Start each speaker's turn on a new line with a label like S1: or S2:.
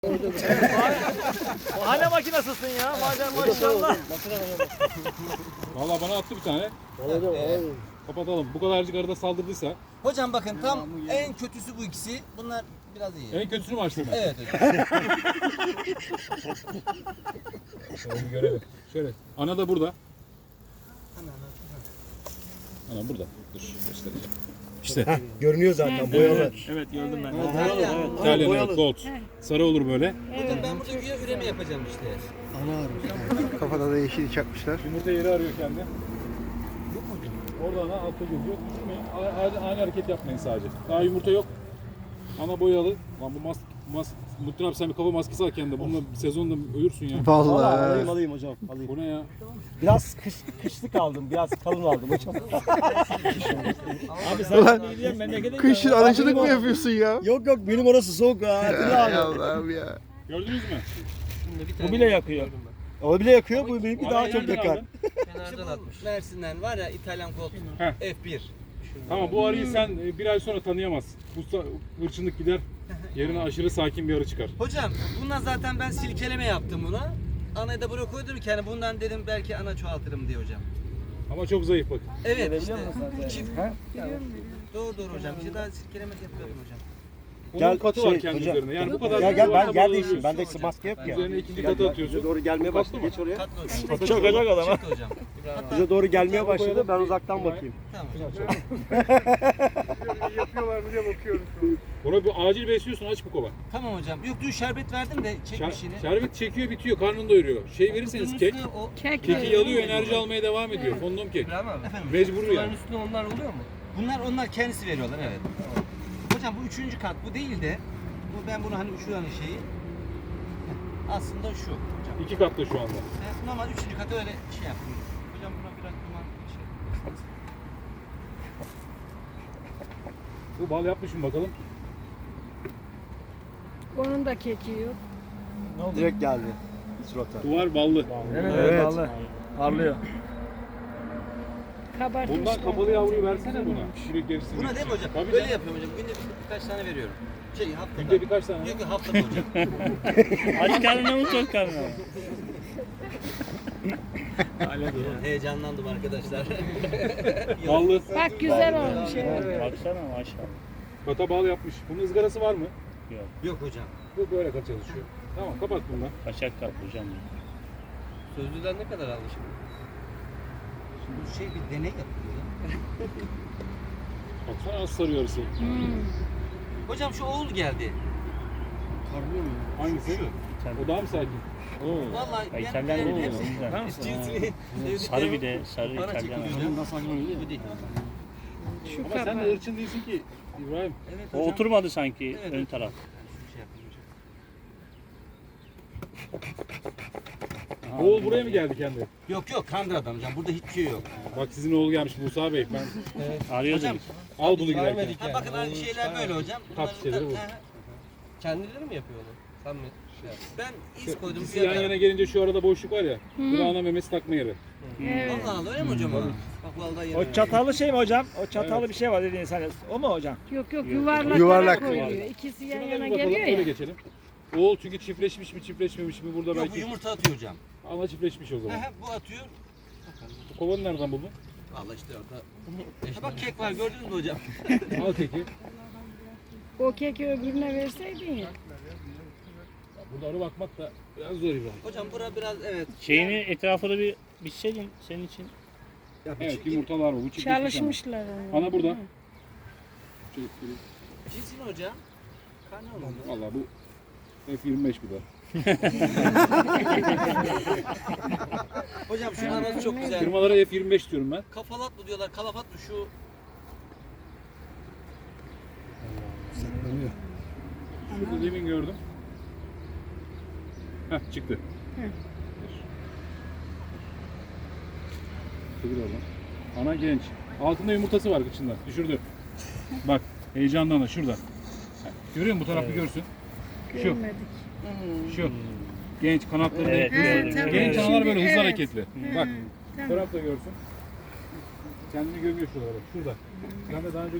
S1: Hala makinasısın ya. Maşallah.
S2: Valla bana attı bir tane. Kapatalım. Bu kadarcık arada saldırdıysa.
S3: Hocam bakın tam en kötüsü bu ikisi. Bunlar biraz iyi.
S2: En kötüsünü mü açtın?
S3: Evet hocam.
S2: Şöyle bir görelim. Şöyle. Ana da burada. Ana burada. Dur göstereceğim. İşte.
S4: Görünüyor zaten boyalı.
S1: Evet gördüm ben.
S2: İtalyan evet, gold. Sarı olur böyle.
S3: Hocam ben burada güya üreme yapacağım işte.
S4: Kafada da yeşil çakmışlar.
S2: Yumurta yeri arıyor kendi. Orada ana altta geziyor. Düşürmeyin. Aynı hareket yapmayın sadece. Daha yumurta yok. Ana boyalı. Lan bu Mutlu abi sen bir kafa maskesi al kendine. Bununla sezonda ölürsün ya.
S4: Vallahi.
S5: Alayım hocam. Alayım.
S2: Bu ne ya?
S5: Biraz kışlık aldım. Biraz kalın aldım hocam.
S1: Abi sen iyi diyen memlekete
S4: Kışın
S1: gidiyorsun.
S4: arıcılık mı yapıyorsun ya?
S5: Yok benim orası soğuk ha.
S4: Ay Allah'ım ya.
S2: Gördünüz mü?
S1: Bu bile yakıyor.
S5: O bile yakıyor. Bu benimki daha çok
S2: nereden
S5: yakar.
S2: aldın?
S3: Kenardan atmış. Mersin'den var ya İtalyan Gold
S2: Heh.
S3: F1.
S2: Tamam bu arıyı sen bir ay sonra tanıyamazsın. Bu hırçınlık gider. Yerine aşırı sakin bir arı çıkar.
S3: Hocam bundan zaten ben silkeleme yaptım buna. Anayı da buraya koydum ki hani bundan dedim belki ana çoğaltırım diye hocam.
S2: Ama çok zayıf bakın.
S3: Evet işte. Çift. Doğru hocam. Bir şey daha silkeleme yapıyordum hocam.
S2: Bunun katı var
S5: şey,
S2: kendi
S5: hocam.
S2: üzerinde. Yani bu kadar.
S5: Gel ben
S2: kabalığı
S5: yer değiştireyim.
S2: alıyorsun.
S5: Bende maske yok ya.
S2: Üzerine ikinci katı atıyorsun.
S5: Doğru gelmeye başladı. Geç oraya.
S3: Katlı hocam.
S1: Çok acak adam ha.
S3: Çıktı hocam.
S5: Bize doğru gelmeye başladı. Ben uzaktan bakayım.
S3: Tamam.
S2: Buna bir acil besliyorsun, aç bu kova.
S3: Tamam hocam. Yok dün şerbet verdim de çekmiş yine.
S2: Şerbet çekiyor bitiyor, karnını doyuruyor. Şey verirseniz kek, keki yalıyor, enerji almaya devam ediyor. Fondom kek.
S3: Efendim.
S2: Mecbur yani.
S6: Üstüne onlar oluyor mu?
S3: Onlar kendisi veriyorlar evet. Hocam bu üçüncü kat bu değil de ben bunu hani şuranın şeyi aslında şu hocam.
S2: İki katta şu anda.
S3: Normal üçüncü katı öyle şey yaptım. Hocam buna biraz duman şey.
S2: Bu bal yapmış mı bakalım?
S7: Onun da keki yok.
S5: Direkt geldi. Surata.
S2: Duvar ballı.
S1: Evet. Vallahi. Parlıyor.
S7: Kabartmışlar.
S2: Bundan kapalı yavruyu versene buna. Şirik gerisini.
S3: Buna değil mi hocam?
S2: Tabii
S3: Öyle
S2: canım.
S3: yapıyorum hocam. Günde birkaç tane veriyorum. Haftada.
S2: Günde birkaç tane.
S3: Yok haftada hocam.
S1: Aç karnına mı tok karnına mı?
S3: Heyecanlandım arkadaşlar.
S2: Ballı.
S7: Bak güzel olmuş. Evet.
S1: Baksana maşallah.
S2: Kata bal yapmış. Bunun ızgarası var mı?
S3: Yok hocam.
S2: Bu böyle kat çalışıyor. Tamam kapat bundan.
S1: Kaçak kap hocam.
S6: Sözlüden ne kadar aldı şimdi?
S3: Şimdi bu şey bir deney yapılıyor ya.
S2: Baksana az sarıyor arısı.
S3: Hocam şu oğul geldi.
S2: Hangisi? O daha mı sakin? Oo.
S3: Vallahi
S1: Ay,
S3: ben
S1: İtalyan
S3: benim
S1: oğlu
S3: hepsi
S1: güzel.
S3: cinsini
S1: Sarı bir de sarı
S3: para
S1: İtalyan.
S3: çekiyor hocam. Bu değil.
S7: Şu
S2: Ama sen de
S7: kabar.
S2: ırçın değilsin ki İbrahim.
S3: Evet
S1: O
S3: hocam.
S1: oturmadı sanki
S3: Evet,
S1: ön
S3: evet.
S1: taraf.
S3: Şu şey yapayım hocam.
S2: Oğul buraya mı geldi kendi?
S3: Yok Kandıra'dan hocam. Burada hiçbir şey yok.
S2: Bak sizin oğul gelmiş Musa Bey. Ben
S1: Arıyorduk.
S3: Hocam,
S2: al bunu giderken.
S6: Vermedik
S3: Ha,
S6: yani.
S3: bakın aynı şeyler böyle hocam.
S2: Tat şeyleri bu.
S6: Kendileri mi yapıyor onu? Sen mi? Şey yap.
S3: Ben iz koydum.
S2: İkisi yan yana gelince şu arada boşluk var ya. Bu da ana memesi takma yeri.
S7: Evet.
S3: Allah Allah öyle mi hocam? Bak vallahi yeni.
S1: O çatallı şey mi hocam? O çatallı bir şey var dediğin sen. O mu hocam?
S7: Yok yuvarlak,
S4: Yuvarlak.
S7: koyuyor. İkisi yan
S2: Şuna da
S7: yana
S2: bir bakalım
S7: geliyor
S2: öyle
S7: ya.
S2: geçelim. Oğul çünkü çiftleşmiş mi çiftleşmemiş mi burada
S3: Yok bu
S2: belki
S3: yumurta atıyor hocam.
S2: ana çiftleşmiş o zaman.
S3: Bu atıyor.
S2: Bu kovanı nereden buldun?
S3: Vallahi işte orada. Ha, bak kek var gördünüz mü hocam?
S2: Al keki.
S7: O keki öbürüne verseydin ya.
S2: Burada arı bakmak da biraz zor İbrahim.
S3: Hocam bura biraz evet.
S1: Şeyini etrafını bir biçseydin senin için.
S2: Evet yumurtalar bu. Bu çiftleşmiş
S7: Çalışmışlar onu.
S2: Ana burada.
S3: Cinsi ne hocam? Karne olmadı.
S2: Valla bu F25 bir de.
S3: Hocam şu anası çok güzel.
S2: Firmalara F25 diyorum ben.
S3: Kafalat mı diyorlar, kalafat mı şu?
S2: Şurada demin gördüm. Heh çıktı. Çevir oradan. Ana genç. Altında yumurtası var kıçında. Düşürdü. Bak heyecandan da şurada. Görüyor musun bu tarafı görsün. Şu.
S7: Görmedik.
S2: Şu. Genç kanatları
S1: Evet,
S2: denk.
S7: tamam.
S2: Genç analar
S7: Şimdi
S2: böyle hızlı
S7: evet.
S2: hareketli. Bak. Bu
S7: Tamam.
S2: taraf da görsün. Kendini gömüyor şuralara. Şurada. Ben de daha önce